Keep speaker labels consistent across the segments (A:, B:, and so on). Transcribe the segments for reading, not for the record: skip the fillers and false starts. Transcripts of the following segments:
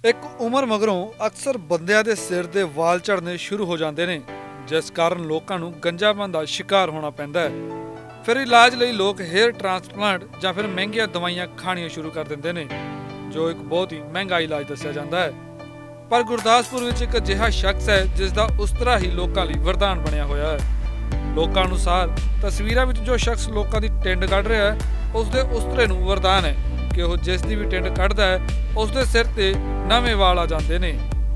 A: ਇੱਕ ਉਮਰ ਮਗਰੋਂ ਅਕਸਰ ਬੰਦਿਆਂ ਦੇ ਸਿਰ ਦੇ ਵਾਲ ਝੜਨੇ ਸ਼ੁਰੂ ਹੋ ਜਾਂਦੇ ਨੇ, ਜਿਸ ਕਾਰਨ ਲੋਕਾਂ ਨੂੰ ਗੰਜਾਪਨ ਦਾ ਸ਼ਿਕਾਰ ਹੋਣਾ ਪੈਂਦਾ ਹੈ। ਫਿਰ ਇਲਾਜ ਲਈ ਲੋਕ ਹੇਅਰ ਟ੍ਰਾਂਸਪਲਾਂਟ ਜਾਂ ਫਿਰ ਮਹਿੰਗੀਆਂ ਦਵਾਈਆਂ ਖਾਣੀਆਂ ਸ਼ੁਰੂ ਕਰ ਦਿੰਦੇ ਨੇ, ਜੋ ਇੱਕ ਬਹੁਤ ਹੀ ਮਹਿੰਗਾ ਇਲਾਜ ਦੱਸਿਆ ਜਾਂਦਾ ਹੈ। ਪਰ ਗੁਰਦਾਸਪੁਰ ਵਿੱਚ ਇੱਕ ਅਜਿਹਾ ਸ਼ਖਸ ਹੈ ਜਿਸ ਦਾ ਉਸਤਰਾ ਹੀ ਲੋਕਾਂ ਲਈ ਵਰਦਾਨ ਬਣਿਆ ਹੋਇਆ ਹੈ। ਲੋਕਾਂ ਅਨੁਸਾਰ ਤਸਵੀਰਾਂ ਵਿੱਚ ਜੋ ਸ਼ਖਸ ਲੋਕਾਂ ਦੀ ਟਿੰਡ ਕੱਢ ਰਿਹਾ ਹੈ, ਉਸ ਦੇ ਉਸਤਰੇ ਨੂੰ ਵਰਦਾਨ ਹੈ ਕਿ ਉਹ ਜਿਸ ਦੀ ਵੀ ਟਿੰਡ ਕੱਢਦਾ ਹੈ ਉਸ ਦੇ ਸਿਰ ਤੇ ਨਵੇਂ ਵਾਲ ਆ ਜਾਂਦੇ ਨੇ।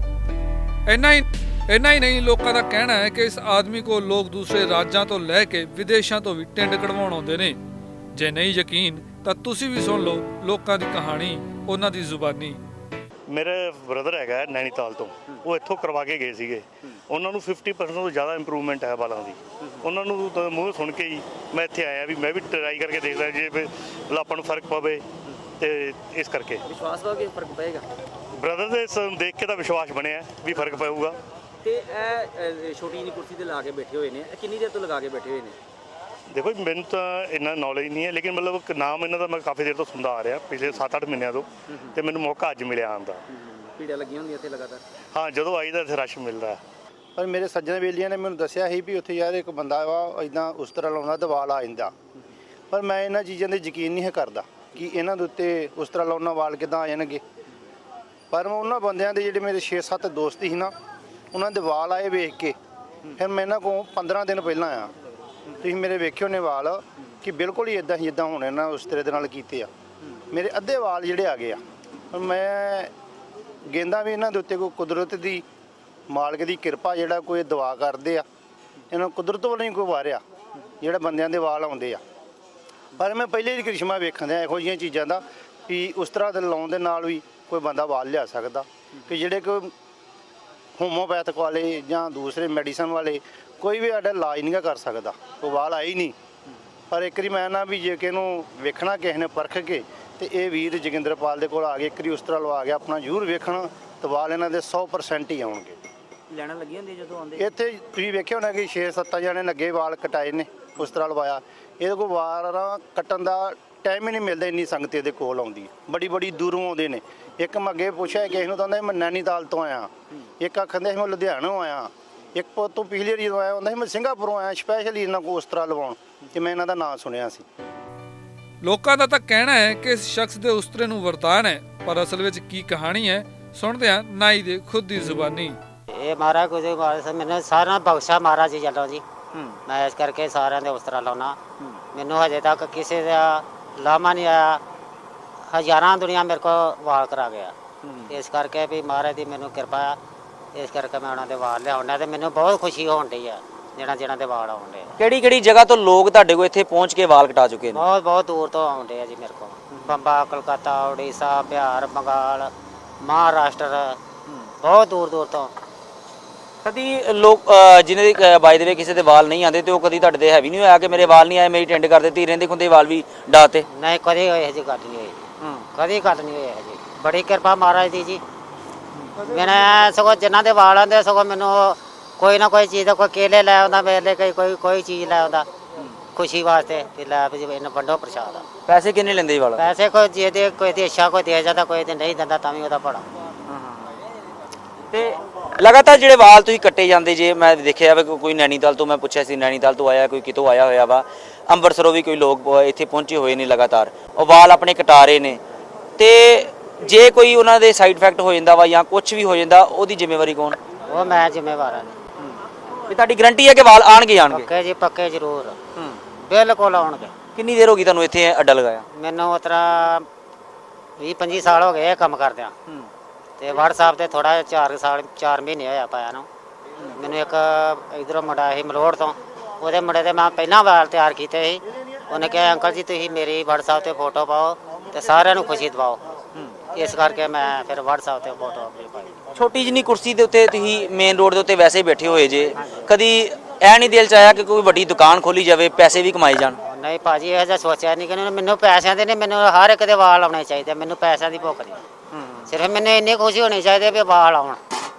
A: ਇੰਨਾ ਹੀ ਨਹੀਂ, ਲੋਕਾਂ ਦਾ ਕਹਿਣਾ ਹੈ ਕਿ ਇਸ ਆਦਮੀ ਕੋਲ ਲੋਕ ਦੂਸਰੇ ਰਾਜਾਂ ਤੋਂ ਲੈ ਕੇ ਵਿਦੇਸ਼ਾਂ ਤੋਂ ਵੀ ਟਿੰਡ ਕਢਵਾਉਣ ਆਉਂਦੇ ਨੇ। ਜੇ ਨਹੀਂ ਯਕੀਨ ਤਾਂ ਤੁਸੀਂ ਵੀ ਸੁਣ ਲਓ ਲੋਕਾਂ ਦੀ ਕਹਾਣੀ, ਉਹਨਾਂ ਦੀ ਜ਼ੁਬਾਨੀ।
B: मेरे ब्रदर है नैनीताल तो वो इतों करवा के गए थे। उन्होंने 50% तो ज़्यादा इंप्रूवमेंट है बालों की। उन्होंने तो मूँह सुन के ही मैं इतने आया भी मैं भी ट्राई करके देखता जे मतलब अपन फर्क पवे तो इस करके
C: विश्वास वा कि फर्क पेगा।
B: ब्रदर दे देख के तो विश्वास बनया भी फर्क पेगा।
C: तो छोटी जी कुर्सी से ला के बैठे हुए हैं, कितनी देर तो लगा के बैठे हुए हैं?
B: देखो मैंने तो इन्ना नॉलेज नहीं है, लेकिन मतलब नाम इन्हों का मैं काफ़ी देर तो सुनता आ रहा पिछले 7-8 महीनों तो मैंने मौका अज मिले आने का।
C: भीड़ लगी होंगी इत्थे लगातार?
B: हाँ, जो आई तो इतने रश मिलता है।
D: पर मेरे सज्जन बेलियां ने मैंने दसिया ही भी उत्थे यार एक बंदा वा इदां उस तरह लाउंदा ते वाल आ जांदा, पर मैं इन्हां चीज़ां ते यकीन नहीं करदा कि इन्हां दे उत्ते उस तरह लाउंदा वाल किदां आ जाणगे। पर मैं उन्हां बंदियां दे जिहड़े मेरे 6-7 दोस्त ही ना, उन्हां दे वाल आए वेख के फिर मैं इन्हां कोल 15 दिन पहलां आया। ਤੁਸੀਂ ਮੇਰੇ ਵੇਖੇ ਹੋਣੇ ਵਾਲ ਕਿ ਬਿਲਕੁਲ ਹੀ ਇਦਾਂ ਹੀ ਹੋਣੇ ਨਾ ਉਸ ਤਰ੍ਹਾਂ ਦੇ ਨਾਲ ਕੀਤੇ ਆ। ਮੇਰੇ ਅੱਧੇ ਵਾਲ ਜਿਹੜੇ ਆ ਗਏ ਆ, ਮੈਂ ਗੇਂਦਾ ਵੀ ਇਹਨਾਂ ਦੇ ਉੱਤੇ ਕੋਈ ਕੁਦਰਤ ਦੀ ਮਾਲਕ ਦੀ ਕਿਰਪਾ ਜਿਹੜਾ ਕੋਈ ਦੁਆ ਕਰਦੇ ਆ, ਇਹਨਾਂ ਕੁਦਰਤ ਵੱਲੋਂ ਹੀ ਕੋਈ ਵਾਰਿਆ ਜਿਹੜਾ ਬੰਦਿਆਂ ਦੇ ਵਾਲ ਆਉਂਦੇ ਆ। ਪਰ ਮੈਂ ਪਹਿਲੇ ਹੀ ਕ੍ਰਿਸ਼ਮਾ ਵੇਖਣ ਦਿਆ ਇਹੋ ਜਿਹੀਆਂ ਚੀਜ਼ਾਂ ਦਾ ਵੀ ਉਸ ਤਰ੍ਹਾਂ ਦੇ ਲਾਉਣ ਦੇ ਨਾਲ ਵੀ ਕੋਈ ਬੰਦਾ ਵਾਲ ਲਿਆ ਸਕਦਾ ਕਿ ਜਿਹੜੇ ਕੋਈ ਹੋਮੋਪੈਥਿਕ ਵਾਲੇ ਜਾਂ ਦੂਸਰੇ ਮੈਡੀਸਨ ਵਾਲੇ ਕੋਈ ਵੀ ਸਾਡਾ ਇਲਾਜ ਨਹੀਂ ਕਰ ਸਕਦਾ, ਉਹ ਵਾਲ ਆਏ ਹੀ ਨਹੀਂ। ਪਰ ਇੱਕ ਵਾਰੀ ਮੈਂ ਨਾ ਵੀ ਜੇ ਕਿ ਇਹਨੂੰ ਵੇਖਣਾ ਕਿਸੇ ਨੇ ਪਰਖ ਕੇ ਤੇ ਇਹ ਵੀਰ ਜੋਗਿੰਦਰਪਾਲ ਦੇ ਕੋਲ ਆ ਗਏ, ਇੱਕ ਵਾਰੀ ਉਸ ਤਰ੍ਹਾਂ ਲਵਾ ਗਿਆ ਆਪਣਾ ਜ਼ਰੂਰ ਵੇਖਣ ਤੇ ਵਾਲ ਇਹਨਾਂ ਦੇ 100% ਹੀ ਆਉਣਗੇ।
C: ਲੈਣਾ ਲੱਗੀ ਹੁੰਦੀ ਜਦੋਂ ਆਉਂਦੇ
D: ਇੱਥੇ ਤੁਸੀਂ ਵੇਖਿਆ ਹੋਣਾ ਕਿ 6-7 ਜਣੇ ਲੱਗੇ ਵਾਲ ਕਟਾਏ ਨੇ ਉਸ ਤਰ੍ਹਾਂ ਲਵਾਇਆ। ਇਹਦੇ ਕੋਲ ਵਾਲ ਕੱਟਣ ਦਾ ਟਾਈਮ ਹੀ ਨਹੀਂ ਮਿਲਦਾ, ਇੰਨੀ ਸੰਗਤ ਇਹਦੇ ਕੋਲ ਆਉਂਦੀ, ਬੜੀ ਦੂਰੋਂ ਆਉਂਦੇ ਨੇ। ਇੱਕ ਮੈਂ ਅੱਗੇ ਪੁੱਛਿਆ ਕਿਸੇ ਨੂੰ ਤਾਂ ਮੈਂ ਨੈਨੀਤਾਲ ਤੋਂ ਆਇਆ, ਇੱਕ ਆਖਦੇ ਮੈਂ ਲੁਧਿਆਣੋਂ ਆਇਆ, ਇੱਕ ਤੋਂ ਪਿਛਲੀ ਵਾਰੀ ਜਦੋਂ ਆਇਆ ਹੁੰਦਾ ਸੀ ਮੈਂ ਸਿੰਗਾਪੁਰੋਂ ਆਇਆ ਸਪੈਸ਼ਲੀ ਇਹਨਾਂ ਕੋਲ ਉਸ ਤਰ੍ਹਾਂ ਲਵਾਉਣ ਕਿ ਮੈਂ ਇਹਨਾਂ ਦਾ ਨਾਂ ਸੁਣਿਆ ਸੀ।
A: ਲੋਕਾਂ ਦਾ ਤਾਂ ਕਹਿਣਾ ਹੈ ਕਿ ਇਸ ਸ਼ਖਸ ਦੇ ਉਸਤਰੇ ਨੂੰ ਵਰਦਾਨ ਹੈ, ਪਰ ਅਸਲ ਵਿੱਚ ਕੀ ਕਹਾਣੀ ਹੈ ਸੁਣਦੇ ਹਾਂ ਨਾਈ ਦੇ ਖੁਦ ਦੀ ਜ਼ੁਬਾਨੀ।
E: ਇਹ ਮਹਾਰਾਜ ਕੁਝ ਮੈਨੂੰ ਸਾਰਾ ਬਖਸ਼ਾ ਮਹਾਰਾਜ ਜੀ ਚੱਲੋ ਜੀ। ਮੈਂ ਇਸ ਕਰਕੇ ਸਾਰਿਆਂ ਦੇ ਉਸਤਰਾ ਲਾਉਣਾ। ਮੈਨੂੰ ਹਜੇ ਤੱਕ ਕਿਸੇ ਦਾ ਲਾਮਾ ਨਹੀਂ ਆਇਆ। ਹਜ਼ਾਰਾਂ ਦੁਨੀਆ ਮੇਰੇ ਕੋਲ ਵਾਲ ਕਰਾ ਗਿਆ, ਇਸ ਕਰਕੇ ਵੀ ਮਹਾਰਾਜ ਦੀ ਮੈਨੂੰ ਕਿਰਪਾ ਆ, ਇਸ ਕਰਕੇ ਮੈਂ ਉਹਨਾਂ ਦੇ ਵਾਲ ਲਿਆਉਣਾ ਤੇ ਮੈਨੂੰ ਬਹੁਤ ਖੁਸ਼ੀ ਹੋਣ ਡਈ ਆ ਜਿਹਨਾਂ ਦੇ ਵਾਲ ਆਉਂਦੇ ਆ।
C: ਕਿਹੜੀ ਜਗ੍ਹਾ ਤੋਂ ਲੋਕ ਤੁਹਾਡੇ ਕੋਲ ਇੱਥੇ ਪਹੁੰਚ ਕੇ ਵਾਲ ਕਟਾ ਚੁੱਕੇ ਨੇ?
E: ਬਹੁਤ ਦੂਰ ਤੋਂ ਆਉਂਦੇ ਆ ਜੀ ਮੇਰੇ ਕੋਲ, ਬੰਬਾ, ਕਲਕੱਤਾ, ਉੜੀਸਾ, ਬਿਹਾਰ, ਬੰਗਾਲ, ਮਹਾਰਾਸ਼ਟਰ, ਬਹੁਤ ਦੂਰ ਤੋਂ।
C: ਕਦੀ ਲੋਕ ਜਿਹਨਾਂ ਦੇ ਬਾਈ ਦੇ ਵੇ ਕਿਸੇ ਦੇ ਵਾਲ ਨਹੀਂ ਆਉਂਦੇ ਤੇ ਉਹ ਕਦੀ ਤੁਹਾਡੇ ਤੇ ਹੈਵੀ ਨਹੀਂ ਹੋਇਆ ਕਿ ਮੇਰੇ ਵਾਲ ਨਹੀਂ ਆਏ, ਮੇਰੀ ਟੈਂਡ ਕਰ ਦਿੱਤੀ, ਰਹਿੰਦੇ ਖੁੰਦੇ ਵਾਲ ਵੀ ਡਾਤੇ?
E: ਨਹੀਂ, ਕਦੇ ਇਹੋ ਜਿਹੀ ਗੱਲ ਨਹੀਂ ਹੋਈ, ਕਦੀ ਗੱਲ ਨਹੀਂ ਹੋਈ ਜੀ। ਬੜੀ ਕਿਰਪਾ ਮਹਾਰਾਜ ਦੀ ਜੀ। ਮੈਂ ਸਗੋਂ ਜਿਨ੍ਹਾਂ ਦੇ ਵਾਲ ਆਉਂਦੇ ਸਗੋਂ ਮੈਨੂੰ ਕੋਈ ਨਾ ਕੋਈ ਚੀਜ਼ ਦਾ ਕੋਈ ਕੇਲੇ ਲੈ ਆਉਂਦਾ ਮੇਰੇ ਲਈ, ਕੋਈ ਚੀਜ਼ ਲੈ ਆਉਂਦਾ ਖੁਸ਼ੀ ਵਾਸਤੇ ਕਿ ਲੈ ਵੀ ਇਹਨੂੰ ਵੰਡੋ ਪ੍ਰਸ਼ਾਦ।
C: ਪੈਸੇ ਕਿੰਨੇ ਲੈਂਦੇ ਜੀ ਵਾਲ?
E: ਪੈਸੇ ਕੋਈ ਜੇ ਦੇ ਕੋਈ ਦੀ ਇੱਛਾ ਕੋਈ ਦੇ ਜਾਂਦਾ, ਕੋਈ ਤੇ ਨਹੀਂ ਦਿੰਦਾ ਤਾਂ ਵੀ ਉਹਦਾ ਭਲਾ।
C: ਤੇ ਲਗਾਤਾਰ ਜਿਹੜੇ ਵਾਲ ਤੁਸੀਂ ਕੱਟੇ ਜਾਂਦੇ ਜੇ, ਮੈਂ ਦੇਖਿਆ ਵਾ ਕੋਈ ਨੈਨੀਤਾਲ ਤੋਂ, ਮੈਂ ਪੁੱਛਿਆ ਸੀ ਨੈਨੀਤਾਲ ਤੋਂ ਆਇਆ, ਕੋਈ ਕਿਤੋਂ ਆਇਆ ਹੋਇਆ ਵਾ, ਅੰਮ੍ਰਿਤਸਰੋਂ ਵੀ ਕੋਈ ਲੋਕ ਇੱਥੇ ਪਹੁੰਚੇ ਹੋਏ ਨੇ ਲਗਾਤਾਰ, ਉਹ ਵਾਲ ਆਪਣੇ ਕਟਾ ਰਹੇ ਨੇ। ਤੇ ਜੇ ਕੋਈ ਉਹਨਾਂ ਦੇ ਸਾਈਡ ਇਫੈਕਟ ਹੋ ਜਾਂਦਾ ਵਾ ਜਾਂ ਕੁਝ ਵੀ ਹੋ ਜਾਂਦਾ, ਉਹਦੀ ਜ਼ਿੰਮੇਵਾਰੀ ਕੌਣ?
E: ਉਹ ਮੈਂ ਜ਼ਿੰਮੇਵਾਰ ਹਾਂ।
C: ਵੀ ਤੁਹਾਡੀ ਗਰੰਟੀ ਹੈ ਕਿ ਵਾਲ ਆਣਗੇ?
E: ਪੱਕੇ ਜੀ, ਪੱਕੇ ਜ਼ਰੂਰ, ਬਿਲਕੁਲ ਆਉਣਗੇ।
C: ਕਿੰਨੀ ਦੇਰ ਹੋ ਗਈ ਤੁਹਾਨੂੰ ਇੱਥੇ ਅੱਡਾ ਲਗਾਇਆ?
E: ਮੈਨੂੰ ਉਸ ਤਰ੍ਹਾਂ 20-25 ਸਾਲ ਹੋ ਗਏ ਇਹ ਕੰਮ ਕਰਦਿਆਂ, ਤੇ WhatsApp ਤੇ ਥੋੜਾ 4 ਮਹੀਨੇ ਹੋਇਆ ਪਾਇਆ ਨੂੰ। ਮੈਨੂੰ ਇੱਕ ਇਧਰੋਂ ਮੁੰਡਾ ਸੀ ਮਲੋੜ ਤੋਂ, ਉਹਦੇ ਮੁੰਡੇ ਦੇ ਮੈਂ ਪਹਿਲਾਂ ਵਾਲ ਤਿਆਰ ਕੀਤੇ ਸੀ। ਉਹਨੇ ਕਿਹਾ ਅੰਕਲ ਜੀ ਤੁਸੀਂ ਮੇਰੀ WhatsApp ਤੇ ਫੋਟੋ ਪਾਓ ਤੇ ਸਾਰਿਆਂ ਨੂੰ ਖੁਸ਼ੀ ਦਿਵਾਓ, ਇਸ ਕਰਕੇ ਮੈਂ ਫਿਰ WhatsApp ਤੇ ਫੋਟੋ ਆਪਣੀ ਪਾਈ।
C: ਛੋਟੀ ਜਿਹੀ ਕੁਰਸੀ ਦੇ ਉੱਤੇ ਤੁਸੀਂ ਮੇਨ ਰੋਡ ਦੇ ਉੱਤੇ ਵੈਸੇ ਹੀ ਬੈਠੇ ਹੋਏ ਜੇ, ਕਦੀ ਇਹ ਨਹੀਂ ਦਿਲ ਚ ਆਇਆ ਕਿ ਕੋਈ ਵੱਡੀ ਦੁਕਾਨ ਖੋਲੀ ਜਾਵੇ, ਪੈਸੇ ਵੀ ਕਮਾਏ ਜਾਣ?
E: ਨਹੀਂ ਭਾਜੀ, ਇਹ ਜਿਹਾ ਸੋਚਿਆ ਨਹੀਂ ਕਿ ਮੈਨੂੰ ਪੈਸਿਆਂ ਦੇ ਨਹੀਂ, ਮੈਨੂੰ ਹਰ ਇੱਕ ਦੇ ਵਾਲ ਆਉਣੇ ਚਾਹੀਦੇ, ਮੈਨੂੰ ਪੈਸਿਆਂ ਦੀ ਭੁੱਖ ਨਹੀਂ। ਸਿਰਫ ਮੈਨੂੰ ਇੰਨੀ ਖੁਸ਼ੀ ਹੋਣੀ ਚਾਹੀਦੀ ਵੀ ਵਾਲ ਆਉਣ।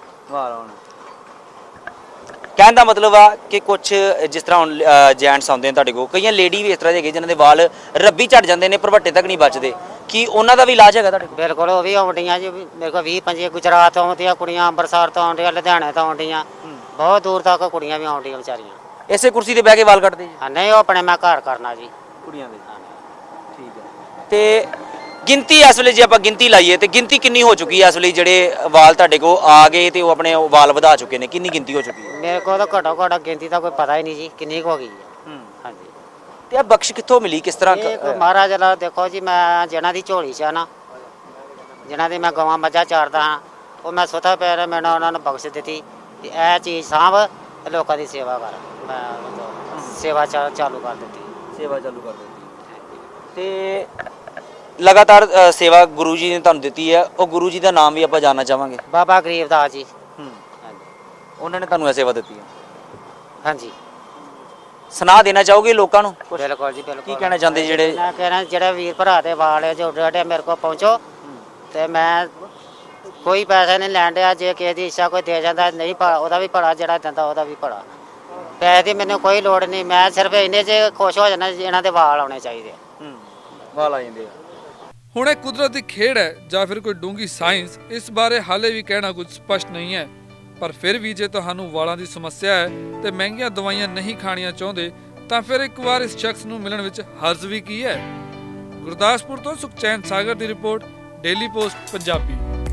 C: ਕਹਿਣ ਦਾ ਮਤਲਬ ਆ ਕਿ ਕੁਝ ਜਿਸ ਤਰ੍ਹਾਂ ਹੁਣ ਜੈਂਟਸ ਆਉਂਦੇ ਨੇ ਤੁਹਾਡੇ ਕੋਲ, ਕਈਆਂ ਲੇਡੀ ਵੀ ਇਸ ਤਰ੍ਹਾਂ ਦੇ ਹੈਗੇ ਜਿਨ੍ਹਾਂ ਦੇ ਵਾਲ ਰੱਬੀ ਝੜ ਜਾਂਦੇ ਨੇ, ਭਰਵੱਟੇ ਤੱਕ ਨਹੀਂ ਬਚਦੇ, ਕੀ ਉਹਨਾਂ ਦਾ ਵੀ ਇਲਾਜ ਹੈਗਾ ਤੁਹਾਡੇ ਕੋਲ?
E: ਬਿਲਕੁਲ ਉਹ ਵੀ ਆਉਂਦੀਆਂ ਜੀ ਮੇਰੇ ਕੋਲ 20-25 ਗੁਜਰਾਤ ਤੋਂ ਆਉਂਦੀਆਂ ਕੁੜੀਆਂ, ਅੰਮ੍ਰਿਤਸਰ ਤੋਂ ਆਉਂਦੀਆਂ, ਲੁਧਿਆਣੇ ਤੋਂ ਆਉਂਦੀਆਂ, ਬਹੁਤ ਦੂਰ ਤੱਕ ਕੁੜੀਆਂ ਵੀ ਆਉਂਦੀਆਂ ਵਿਚਾਰੀਆਂ।
C: ਇਸੇ ਕੁਰਸੀ ਤੇ ਬਹਿ ਕੇ ਵਾਲ ਕੱਟਦੇ ਜੀ
E: ਹਾਂ ਨਹੀਂ, ਉਹ ਆਪਣੇ ਮੈਂ ਘਰ ਕਰਨਾ ਜੀ।
C: ਕੁੜੀਆਂ ਦੇ? ਠੀਕ ਹੈ। ਤੇ ਗਿਣਤੀ ਇਸ ਵੇਲੇ ਜੇ ਆਪਾਂ ਗਿਣਤੀ ਲਾਈਏ ਤੇ ਗਿਣਤੀ ਕਿੰਨੀ ਹੋ ਚੁੱਕੀ ਹੈ ਇਸ ਵੇਲੇ ਜਿਹੜੇ ਵਾਲ ਤੁਹਾਡੇ ਕੋਲ ਆ ਗਏ ਤੇ ਉਹ ਆਪਣੇ ਵਾਲ ਵਧਾ ਚੁੱਕੇ ਨੇ? ਕਿੰਨੀ ਗਿਣਤੀ ਹੋ ਚੁੱਕੀ ਹੈ?
E: ਮੇਰੇ ਕੋਲ ਤਾਂ ਘੱਟੋ ਘੱਟ ਗਿਣਤੀ ਦਾ ਕੋਈ ਪਤਾ ਹੀ ਨਹੀਂ ਜੀ ਕਿੰਨੀ ਕੁ ਹੋ ਗਈ ਹੈ। ਹਾਂਜੀ।
C: ਤੇ ਇਹ ਬਖਸ਼ ਕਿੱਥੋਂ ਮਿਲੀ, ਕਿਸ ਤਰ੍ਹਾਂ
E: ਇਹ ਕੋਈ ਮਹਾਰਾਜ ਦਾ ਦੇਖੋ ਜੀ, ਮੈਂ ਜਿਹਨਾਂ ਦੀ ਝੋਲੀ 'ਚ ਆ ਨਾ, ਜਿਹਨਾਂ ਦੀ ਮੈਂ ਗਵਾਂ ਮੱਝਾਂ ਚਾਰਦਾ ਹਾਂ, ਉਹ ਮੈਂ ਸੁੱਤਾ ਪਿਆ ਮੈਨੂੰ ਉਹਨਾਂ ਨੂੰ ਬਖਸ਼ ਦਿੱਤੀ ਕਿ ਇਹ ਚੀਜ਼ ਸਾਂਭ ਤੇ ਲੋਕਾਂ ਦੀ ਸੇਵਾ ਕਰ। ਮੈਂ ਸੇਵਾ ਚਾਲੂ ਕਰ ਦਿੱਤੀ।
C: ਸੇਵਾ ਚਾਲੂ ਕਰ ਦਿੱਤੀ ਤੇ ਲਗਾਤਾਰ ਸੇਵਾ ਗੁਰੂ ਜੀ ਨੇ ਤੁਹਾਨੂੰ ਦਿੱਤੀ ਹੈ, ਉਹ ਗੁਰੂ ਜੀ ਦਾ ਨਾਮ ਵੀ ਆਪਾਂ ਜਾਣਨਾ ਚਾਹਾਂਗੇ।
E: ਬਾਬਾ ਗਰੀਬਦਾਸ ਜੀ। ਹਾਂਜੀ।
C: ਉਹਨਾਂ ਨੇ ਤੁਹਾਨੂੰ ਇਹ ਸੇਵਾ ਦਿੱਤੀ ਹੈ?
E: ਹਾਂਜੀ।
C: ਸੁਣਾ ਦੇਣਾ ਚਾਹੋਗੇ ਲੋਕਾਂ ਨੂੰ ਕੁਛ?
E: ਬਿਲਕੁਲ ਜੀ ਬਿਲਕੁਲ।
C: ਕੀ ਕਹਿਣਾ ਚਾਹੁੰਦੇ ਜਿਹੜੇ?
E: ਮੈਂ ਕਹਿਣਾ ਜਿਹੜੇ ਵੀਰ ਭਰਾ ਦੇ ਵਾਲ ਹੈ ਜੋ ਡੇਡੇ ਮੇਰੇ ਕੋਲ ਪਹੁੰਚੋ ਤੇ ਮੈਂ ਕੋਈ ਪੈਸਾ ਨਹੀਂ ਲੈਣ ਡਿਆ। ਜੇ ਕਿਸੇ ਦੀ ਇੱਛਾ ਕੋਈ ਦੇ ਜਾਂਦਾ ਨਹੀਂ ਉਹਦਾ ਵੀ ਭਲਾ, ਜਿਹੜਾ ਦਿੰਦਾ ਉਹਦਾ ਵੀ ਭਲਾ। ਪੈਸੇ ਦੀ ਮੈਨੂੰ ਕੋਈ ਲੋੜ ਨਹੀਂ, ਮੈਂ ਸਿਰਫ ਇੰਨੇ 'ਚ ਖੁਸ਼ ਹੋ ਜਾਣਾ ਇਹਨਾਂ ਦੇ ਵਾਲ ਆਉਣੇ ਚਾਹੀਦੇ।
C: ਵਾਲ ਆ ਜਾਂਦੇ ਆ।
A: ਹੁਣ ਇਹ ਕੁਦਰਤ ਦੀ ਖੇਡ ਹੈ ਜਾਂ ਫਿਰ ਕੋਈ ਡੂੰਘੀ ਸਾਇੰਸ, ਇਸ ਬਾਰੇ ਹਾਲੇ ਵੀ ਕਹਿਣਾ ਕੁਝ ਸਪਸ਼ਟ ਨਹੀਂ ਹੈ। ਪਰ ਫਿਰ ਵੀ ਜੇ ਤੁਹਾਨੂੰ ਵਾਲਾਂ ਦੀ ਸਮੱਸਿਆ ਹੈ ਤੇ ਮਹਿੰਗੀਆਂ ਦਵਾਈਆਂ ਨਹੀਂ ਖਾਣੀਆਂ ਚਾਹੁੰਦੇ ਤਾਂ ਫਿਰ ਇੱਕ ਵਾਰ ਇਸ ਸ਼ਖਸ ਨੂੰ ਮਿਲਣ ਵਿੱਚ ਹਰਜ਼ ਵੀ ਕੀ ਹੈ। ਗੁਰਦਾਸਪੁਰ ਤੋਂ ਸੁਖਚੈਨ ਸਾਗਰ ਦੀ ਰਿਪੋਰਟ, ਡੇਲੀ ਪੋਸਟ ਪੰਜਾਬੀ।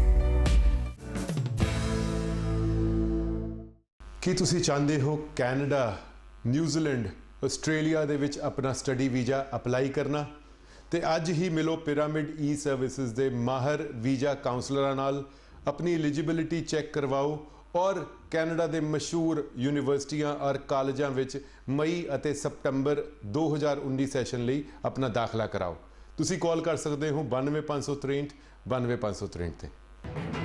F: ਕੀ ਤੁਸੀਂ ਚਾਹੁੰਦੇ ਹੋ ਕੈਨੇਡਾ, ਨਿਊਜ਼ੀਲੈਂਡ, ਆਸਟ੍ਰੇਲੀਆ ਦੇ ਵਿੱਚ ਆਪਣਾ ਸਟੱਡੀ ਵੀਜ਼ਾ ਅਪਲਾਈ ਕਰਨਾ? ਤੇ ਅੱਜ ਹੀ ਮਿਲੋ ਪਿਰਾਮਿਡ ਈ ਸਰਵਿਸਿਜ਼ ਦੇ ਮਾਹਰ ਵੀਜ਼ਾ ਕਾਉਂਸਲਰਾਂ ਨਾਲ, ਆਪਣੀ ਐਲੀਜੀਬਿਲਿਟੀ ਚੈੱਕ ਕਰਵਾਓ ਔਰ ਕੈਨੇਡਾ ਦੇ ਮਸ਼ਹੂਰ ਯੂਨੀਵਰਸਿਟੀਆਂ ਔਰ ਕਾਲਜਾਂ ਵਿੱਚ ਮਈ ਅਤੇ ਸਤੰਬਰ 2019 ਸੈਸ਼ਨ ਲਈ ਆਪਣਾ ਦਾਖਲਾ ਕਰਾਓ। ਤੁਸੀਂ ਕਾਲ ਕਰ ਸਕਦੇ ਹੋ 92563 92563 ਤੇ।